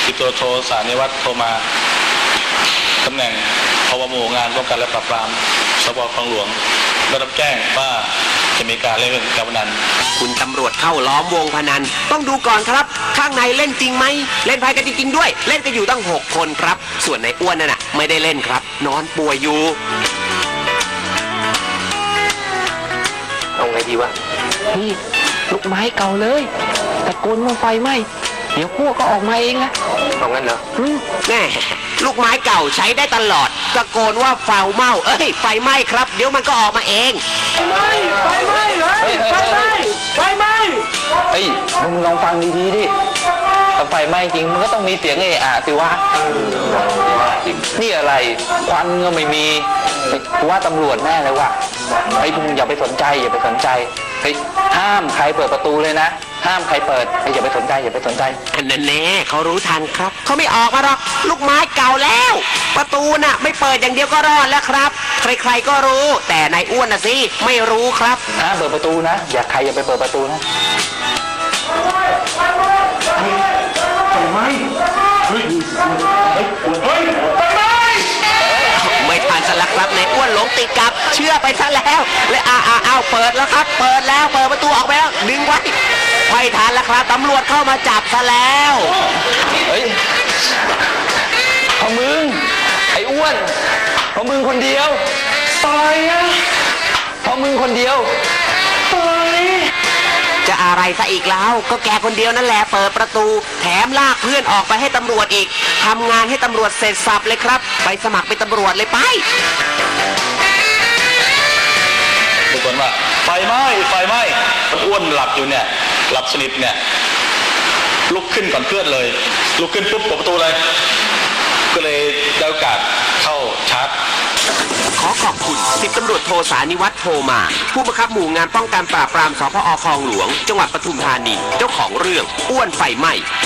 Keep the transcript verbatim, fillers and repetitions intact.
สิบตำรวจโทสานิวัฒน์โทรมาตำแหน่งพบหมู่งานป้องกันและปราบปรามสภ.คลองหลวงได้รับแจ้งว่าจะมีการเล่นการพนันคุณตำรวจเข้าล้อมวงพนันต้องดูก่อนครับข้างในเล่นจริงไหมเล่นไพ่กันจริงๆด้วยเล่นกันอยู่ตั้งหกคนครับส่วนในอ้วนนั่นน่ะไม่ได้เล่นครับนอนป่วยอยู่เอาไงดีวะนี่ลูกไม้เก่าเลยตะโกนว่าไฟไหม้เดี๋ยวพวกก็ออกมาเองนะเอางั้นเหรอแน่ลูกไม้เก่าใช้ได้ตลอดตะโกนว่าไฟไหม้เอ้ยไฟไหม้ครับเดี๋ยวมันก็ออกมาเองไฟไหม้ไฟไหม้เลยไฟไหม้ไฟไหม้เฮ้ยมึงลองฟังดีๆดิถ้าไฟไหม้จริงมันก็ต้องมีเสียงเอะอะสิวะนี่อะไรควันก็ไม่มีว่าตำรวจแน่เลยว่ะไอ้พวกมึงอย่าไปสนใจอย่าไปสนใจเฮ้ยห้ามใครเปิดประตูเลยนะห้ามใครเปิดอย่าไปสนใจอย่าไปสนใจอันนั้นแน่เขารู้ทันครับเขาไม่ออกมาหรอกลูกไม้เก่าแล้วประตูน่ะไม่เปิดอย่างเดียวก็รอดแล้วครับใครๆก็รู้แต่นายอ้วนน่ะสิไม่รู้ครับห้ามเปิดประตูนะอย่าใครอย่าไปเปิดประตูนะไฟไหม้เฮ้ยเฮ้ยไฟไหม้ไม่ทันสลักครับนายอ้วนหลงติดกับเชื่อไปซะแล้วและอ้าอ้าวเปิดแล้วครับเปิดแล้วเปิดประตูออกไปแล้วดึงไว้ไม่ทันแล้วครับตำรวจเข้ามาจับซะแล้วเฮ้ยพอมึงไอ้อ้วนพอมึงคนเดียวตายอะพอมึงคนเดียวตายจะอะไรซะอีกแล้วก็แกคนเดียวนั่นแหละเปิดประตูแถมลากเพื่อนออกไปให้ตำรวจอีกทำงานให้ตำรวจเสร็จสับเลยครับไปสมัครเป็นตำรวจเลยไปทุกคนว่าไฟไหม้ไฟไหม้อ้วนหลับอยู่เนี่ยหลับสนิทเนี่ยลุกขึ้นก่อนเพื่อนเลยลุกขึ้นปุ๊บเปิดประตูเลยก็เลยได้โอกาสเข้าชาร์จขอขอบคุณสิบตำรวจโทสานิวัฒน์โทมาผู้บังคับหมู่งานป้องกันปราบปรามสภ.คลองหลวงจังหวัดปทุมธานีเจ้าของเรื่องอ้วนไฟไหม้